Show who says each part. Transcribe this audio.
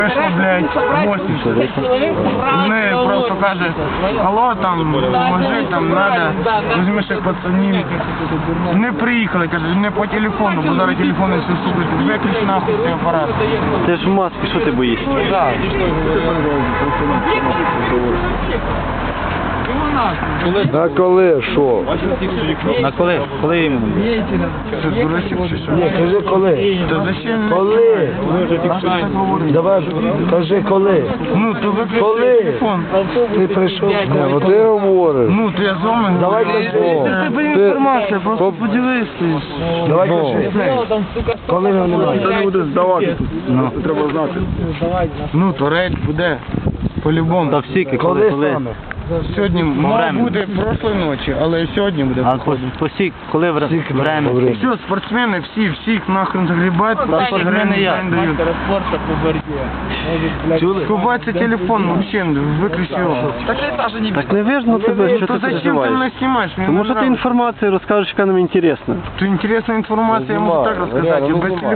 Speaker 1: Прийшло, блядь, 80. Вони просто каже, алло, там, поможи, там, надо, візьми ще пацанів. Не приїхали, каже, не по телефону, бо зараз телефони все слухають, виключ нахуй цей апарат.
Speaker 2: Ти ж в масці, що ти боїшся?
Speaker 3: На коли, що?
Speaker 2: На коли? Коли іменно?
Speaker 1: Це дурачок чи що?
Speaker 3: Ні, кажи коли.
Speaker 1: То зачем?
Speaker 3: Коли? Давай, кажи коли.
Speaker 1: Ну, то виключи
Speaker 3: Коли?
Speaker 1: телефон.
Speaker 3: Ти прийшов? Ні, от ти говориш.
Speaker 1: Ну, то я з вами
Speaker 3: Давай
Speaker 1: говорю.
Speaker 3: кажи.
Speaker 1: Це тебе інформація, просто поділися.
Speaker 3: Давай кажи. Коли його немає?
Speaker 4: Це не буде здавати тут. Треба знати.
Speaker 1: Ну, то рейд буде. По-любому.
Speaker 2: Та всі,
Speaker 3: Коли
Speaker 2: коли?
Speaker 3: саме?
Speaker 1: Сьогодні мав
Speaker 2: Время.
Speaker 1: бути прошлої ночі, але сьогодні буде.
Speaker 2: А посік, коли время?
Speaker 1: Все, спортсмени, всіх нахрен загрібають, по 10
Speaker 2: спортсмени
Speaker 1: гривень
Speaker 2: я.
Speaker 1: в день дають. Ховається телефон, вообще, виключи його.
Speaker 2: Так не видно тебе, що
Speaker 1: То
Speaker 2: ти
Speaker 1: зачем ти
Speaker 2: переживаєш?
Speaker 1: мене знімаєш? Мені
Speaker 2: Тому
Speaker 1: не
Speaker 2: що ти
Speaker 1: нравится.
Speaker 2: інформацію розкажеш, яка нам інтересна.
Speaker 1: То інтересна інформація, я можу так розказати, без телефону.